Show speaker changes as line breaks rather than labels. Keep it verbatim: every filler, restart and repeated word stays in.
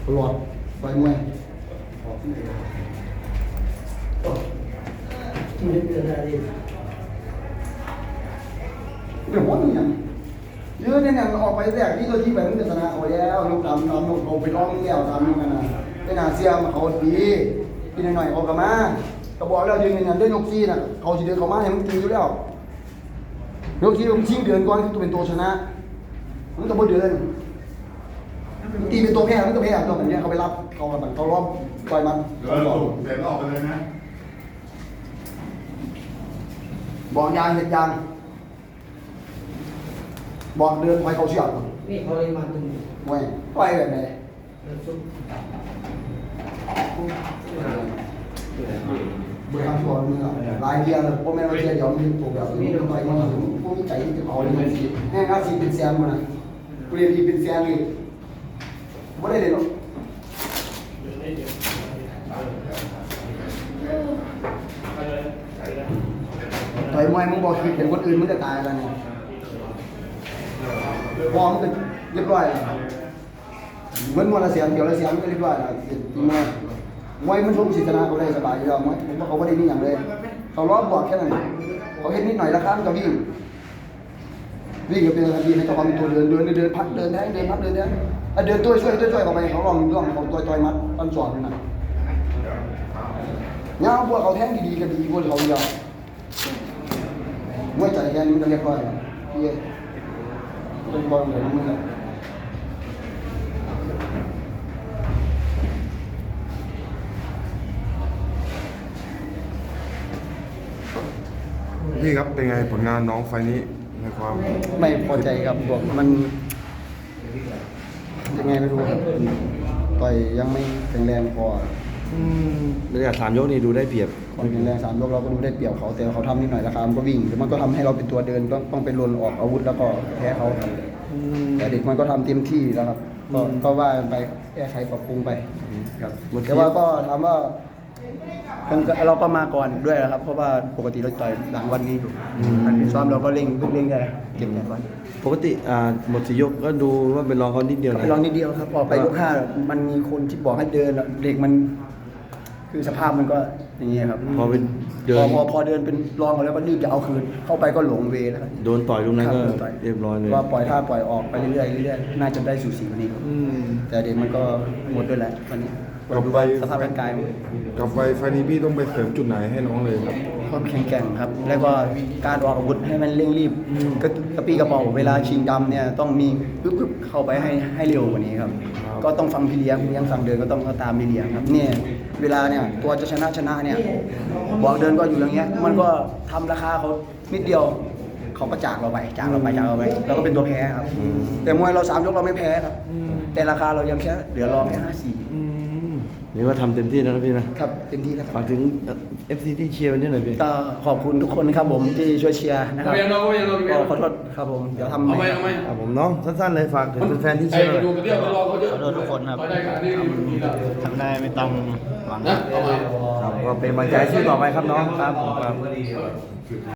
ตลอดไปมวยที่เดือนอะไรเดี๋ยววันนี้ยังเยอะเนี่ยออกไปแรกที่ตัวที่แบบมันจะชนะเอาแล้วลูกดำดำเอาไปร้องแล้วทำยังไงนะเป็นอาเซียนเขาดีกินหน่อยเขากลับมาก็บอกแล้วยืนยันด้วยยกซีน่ะเขาจะเดินเขามาให้มันตีอยู่แล้วยกซีมันชิงเดือนก่อนตัวเป็นตัวชนะมันต้องเดินตีเป็นตัวแพ้มันตัวแพ้ตัวแบบนี้เขาไปรับเขาแบบเขาล้อมปล่อยมันเดินเดินออกไปเลยนะบอกยางเห็ดยางบอกเดินไปเขาเชือก
นี่เขาเลยมาตึง
ไม่ไปแบบไหนเบื่อทำชัวร์มึงอ่ะลายเดียวเลยพวกแม่เราเชียร์เดี๋ยวมึงถูกแบบนี้ทำไมมันถึงพวกมีใจที่จะเอาเลยมันสิแห้งอาซีเป็นแซมมันนะกูเรียนดีเป็นแซมเลยไม่ได้เลยหรอกต่อยมวยมึงบอกคือเห็นคนอื่นมึงจะตายอะไรเนี่ยพอมันก็เรียบร้อยแล้วเหมือนมวยละเสียงเดียวละเสียงก็เรียบร้อยแล้วทีมวยมวยมันชกศิษนาเขาได้สบายอยู่แล้วมวยเพราะเขาไม่ได้มีอย่างเลยเขาล้อบวกแค่นั้นเขาเห็นนิดหน่อยละครั้งก็วิ่งวิ่งก็เป็นทันทีในตัวความตัวเดินเดินเดินพักเดินแทงเดินพักเดินแทงเดินตัวช่วยช่วยช่วยเขาไปเขาลองลองเขาตัวต่อยมัดตันสอนนะเนี่ยพวกเขาแทงดีๆก็ดีพวกเขาเดียวมวยใจแค่นี้มันก็เรียบร้อยแล้วพี่เป็นบอลเหมือนมึงเลย
พี่ครับเป็นไงผลงานน้องไฟนี้ในความ
ไม่พอใจครับบอกมันยังไงไม่รู้ครับต่อยยังไม่แข็งแรงพอ
ระยะสามยกนี่ดูได้เปรียบ
ความแข็งแรงสามยกเราก็ดูได้เปรียบเขาแต่เขาทำนิดหน่อยราคามันก็วิ่งมันก็ทำให้เราเป็นตัวเดินต้องต้องไปลนออกอาวุธแล้วก็แพ้เขาครับแต่เด็กมันก็ทำเต็มที่แล้วครับก็ก็ว่าไปแก้ไขปรับปรุงไปครับแต่ว่าก็ถามว่าเราก็มาก่อนด้วยนะครับเพราะว่าปกติเราต่อยหลังวันนี้ซ้อมเราก็เร่งเพิ่งเร่งได้เก็บแรงไว้
ปกติอ่าหมดสี่ยกก็ดูว่าเป็นรองเขานิดเดียวนะ
เป็นรองนิดเดียวครับพอไปยกห้ามันมีคนที่บอกให้เดินเด็กมันคือสภาพมันก็อย่างนี้ครับ
พอเป็นเดิน
พอพอพอเดินเป็นรองแล้วก็รีบจะเอาคืนเข้าไปก็หลงเวแล้ว
โดนต่อยลูกนั้นก็เรียบร้อยเลย
ว่าปล่อยท่าปล่อยออกไปเรื่อยๆเรื่อยๆน่าจะได้สูสีกว่านี้ครับแต่เด็กมันก็หมดด้วยแหละวันนี้
กับไฟ
สภาพร่างกาย
กับไฟไฟนี้พี่ต้องไปเสริมจุดไหนให้น้องเลยครับ
ความแข็งแกร่งครับแล้วก็การออกอาวุธให้มันเร่งรีบก็กระปี้กระเป๋าเวลาชิงดำเนี่ยต้องมีปึ๊บๆเข้าไปให้ให้เร็วกว่านี้ครับก็ต้องฟังพี่เลี้ยงพี่เลี้ยงสั่งเดินก็ต้องตามพี่เลี้ยงครับเนี่ยเวลาเนี่ยตัวจะชนะชนะเนี่ยบอกเดินก็อยู่อย่างเงี้ยมันก็ทำราคาเขานิดเดียวเขาก็จากเราไปจากเราไปจากเราไปเราก็เป็นตัวแพ้ครับแต่มวยเราสามยกเราไม่แพ้ครับแต่ราคาเรายังแค่เหลือรองแค่ห้าสี่
นี่ว่าทำเต็มที่แล้วนะพี่นะครับ
เต็มที่แล้ว
ฝากถึง เอฟ ซี ที่เชียร์วันนี้หน่อยพี่
ก็ขอบคุณทุกคนครับผมที่ช่วยเชียร์นะครับก็ขอโทษครับผมเดี๋ยวทำใหม่
ครับผมน้องสั้นๆเลยฝากถึงแฟนที่เชียร์เลย
ขอโทษทุกคนครับทำได้ไม่ต้องหวัง
ครับก็เป็นกำลังใจสู้ต่อไปครับน้องครับผมครับ